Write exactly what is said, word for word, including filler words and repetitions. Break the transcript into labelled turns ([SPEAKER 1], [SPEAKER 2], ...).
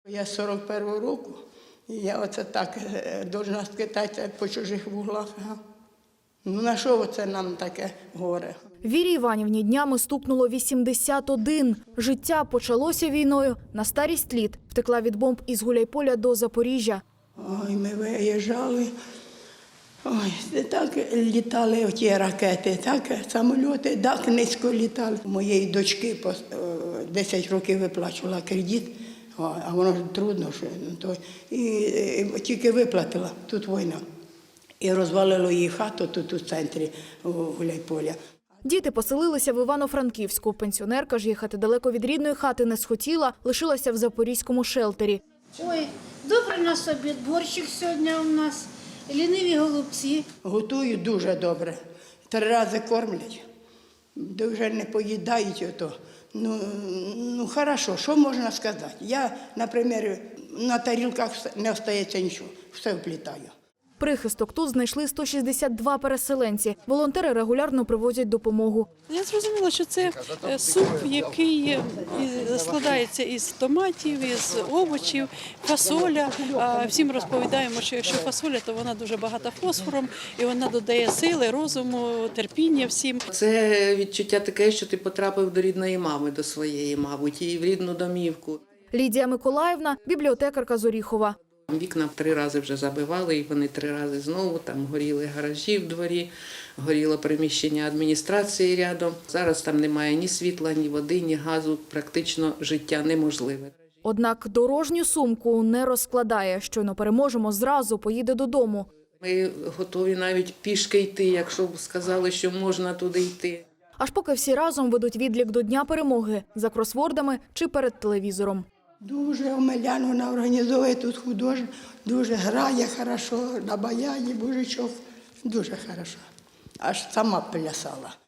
[SPEAKER 1] Я з сорок першого року, і я оце так повинна скитатися по чужих вуглах. Ну на що це нам таке горе?
[SPEAKER 2] Вірі Іванівні днями стукнуло вісімдесят один. Життя почалося війною, на старість літ втекла від бомб із Гуляйполя до Запоріжжя.
[SPEAKER 1] Ой, ми виїжджали, ой, так літали ті ракети, так самоліти, так низько літали. Моєї дочки по десять років виплачувала кредит, а воно ж трудно, що, то, і, і тільки виплатила, тут війна. І розвалило її хату тут у центрі Гуляйполя.
[SPEAKER 2] Діти поселилися в Івано-Франківську. Пенсіонерка ж їхати далеко від рідної хати не схотіла, лишилася в запорізькому шелтері.
[SPEAKER 3] Ой, добрий у нас обід, борщик сьогодні у нас, ліниві голубці.
[SPEAKER 1] Готують дуже добре, три рази кормлять, дуже не поїдають ото. Ну, ну, хорошо, що можна сказати? Я, наприклад, на тарілках не остається нічого, все вплітаю.
[SPEAKER 2] Прихисток тут знайшли сто шістдесят два переселенці. Волонтери регулярно привозять допомогу.
[SPEAKER 4] Я зрозуміла, що це суп, який складається із томатів, із овочів, фасоля. А всім розповідаємо, що якщо фасоля, то вона дуже багата фосфором, і вона додає сили, розуму, терпіння всім.
[SPEAKER 5] Це відчуття таке, що ти потрапив до рідної мами, до своєї, мабуть, і в рідну домівку.
[SPEAKER 2] Лідія Миколаївна – бібліотекарка з Оріхова.
[SPEAKER 5] Вікна три рази вже забивали, і вони три рази знову, там горіли гаражі в дворі, горіло приміщення адміністрації рядом. Зараз там немає ні світла, ні води, ні газу, практично життя неможливе.
[SPEAKER 2] Однак дорожню сумку не розкладає. Щойно переможемо, зразу поїде додому.
[SPEAKER 5] Ми готові навіть пішки йти, якщо б сказали, що можна туди йти.
[SPEAKER 2] Аж поки всі разом ведуть відлік до Дня перемоги – за кросвордами чи перед телевізором.
[SPEAKER 1] Дуже Омелян, вона організовує тут художник, дуже грає хорошо, на баяні, божичок, дуже хорошо. Аж сама плясала.